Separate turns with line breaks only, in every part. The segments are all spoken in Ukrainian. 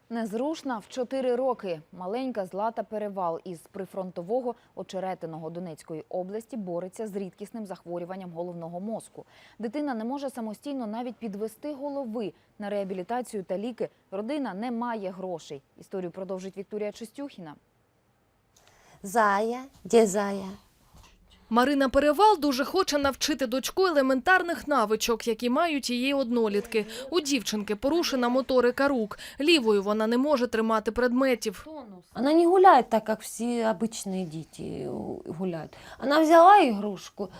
Незрушна в 4 роки. Маленька Злата Перевал із прифронтового Очеретиного Донецької області бореться з рідкісним захворюванням головного мозку. Дитина не може самостійно навіть підвести голови. На реабілітацію та ліки родина не має грошей. Історію продовжить Вікторія Чистюхіна.
Зая, де Зая?
Марина Перевал дуже хоче навчити дочку елементарних навичок, які мають її однолітки. У дівчинки порушена моторика рук. Лівою вона не може тримати предметів.
Она не гуляет так, как все обычные дети гуляют. Она взяла игрушку,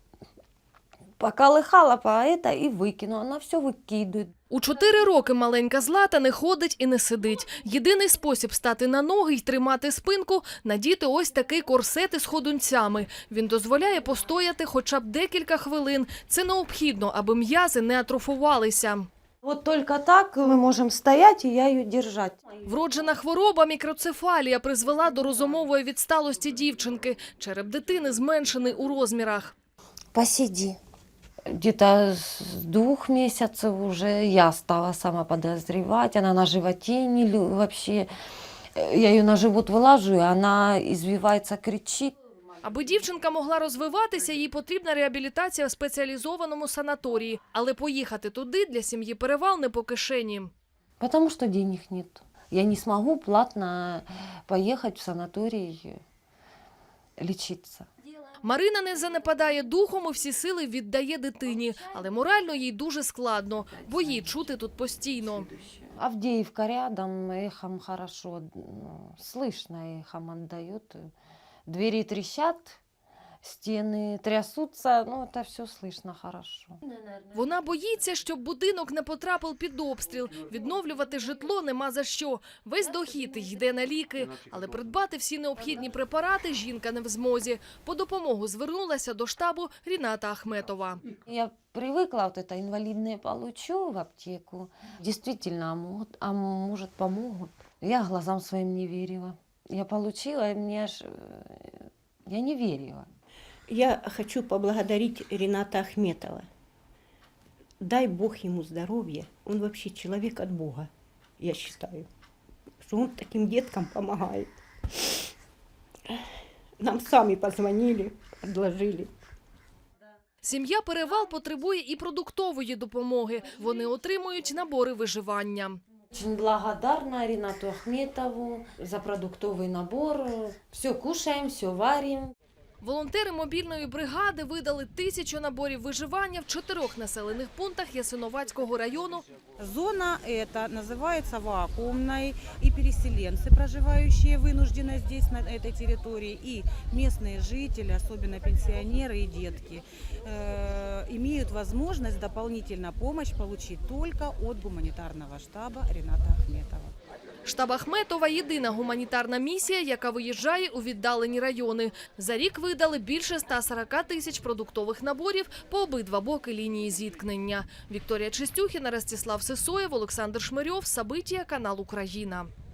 поколыхала по это и выкинула. Она все выкидывает.
У 4 роки маленька Злата не ходить і не сидить. Єдиний спосіб стати на ноги й тримати спинку – надіти ось такий корсет із ходунцями. Він дозволяє постояти хоча б декілька хвилин. Це необхідно, аби м'язи не атрофувалися.
Вот только так мы можем стоять, и я ее держать.
Вроджена хвороба мікроцефалія призвела до розумової відсталості дівчинки. Череп дитини зменшений у розмірах.
Посиди. Где-то с 2 месяцев уже я стала сама подозревать. Она на животе вообще. Я ее на живот вылажу, и она извивается, кричит.
Аби дівчинка могла розвиватися, їй потрібна реабілітація в спеціалізованому санаторії. Але поїхати туди для сім'ї Перевал не по кишені.
Потому что денег нет. Я не смогу платно поехать в санаторий лечиться.
Марина не занепадає духом і всі сили віддає дитині. Але морально їй дуже складно, бо її чути тут постійно.
Авдеевка рядом, эхом хорошо, слышно эхом отдает. Двери трещат, стены трясутся, это все слышно хорошо.
Вона боїться, щоб будинок не потрапив під обстріл. Відновлювати житло нема за що. Весь дохід йде на ліки. Але придбати всі необхідні препарати жінка не в змозі. По допомогу звернулася до штабу Ріната Ахметова.
Я привыкла, вот это инвалидное получу в аптеку. Действительно, а может помогут. Я глазам своим не верила. Я получила, и я не верила.
Я хочу поблагодарить Рината Ахметова. Дай Бог ему здоровья. Он вообще человек от Бога, я считаю. Что он таким деткам помогает. Нам сами позвонили, предложили.
Сім'я Перевал потребує і продуктової допомоги. Вони отримують набори виживання.
Очень благодарна Ринату Ахметову за продуктовый набор. Все кушаем, все варим.
Волонтери мобільної бригади видали 1000 наборів виживання в 4 населених пунктах Ясиновацького району.
Зона эта называется вакуумной, и переселенцы, проживающие вынужденно здесь, на этой территории, и местные жители, особенно пенсионеры и детки, имеют возможность дополнительно помощь получить только от гуманитарного штаба Рината Ахметова.
Штаб Ахметова – єдина гуманітарна місія, яка виїжджає у віддалені райони. За рік видали більше 140 тисяч продуктових наборів по обидва боки лінії зіткнення. Вікторія Чистюхіна, Ростислав Сисоєв, Олександр Шмирьов, Сабитія, канал Україна.